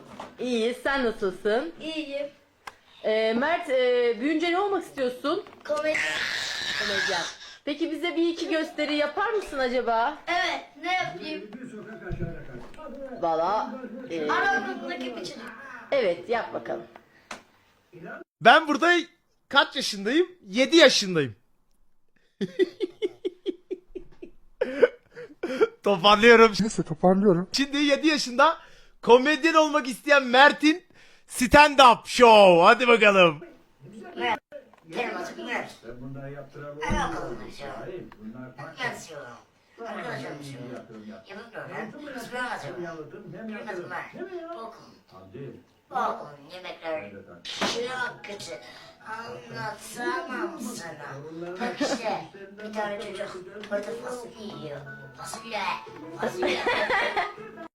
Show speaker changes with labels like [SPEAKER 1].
[SPEAKER 1] İyi, sen nasılsın?
[SPEAKER 2] İyiyim.
[SPEAKER 1] Mert, büyünce ne olmak istiyorsun?
[SPEAKER 2] Komedi.
[SPEAKER 1] Komedyen. Peki bize bir iki gösteri yapar mısın acaba?
[SPEAKER 2] Evet, ne yapayım?
[SPEAKER 1] Valla,
[SPEAKER 2] Aramızdaki bir çocuk.
[SPEAKER 1] evet yap bakalım.
[SPEAKER 3] Ben burada kaç yaşındayım? 7 yaşındayım. Toparlıyorum.
[SPEAKER 4] Neyse toparlıyorum.
[SPEAKER 3] Şimdi 7 yaşında komedyen olmak isteyen Mert'in stand-up show. Hadi bakalım.
[SPEAKER 5] Benim adım Mert.
[SPEAKER 6] Bunları yaptıralım.
[SPEAKER 5] Ben bakalım aşağı.
[SPEAKER 6] Hayır, bunlar kaç?
[SPEAKER 5] Mert istiyorum. Arkadaşlarım istiyorum. Yapıp böyle. İsmini atıyorum. Benim adım Mert. Bu okulun.
[SPEAKER 6] Hadi.
[SPEAKER 5] Bu okulun yemekleri çok kötü. Anlatamam sana. Bak işte bir tane çocuk burada fasulye yiyor. Fasulye. Fasulye.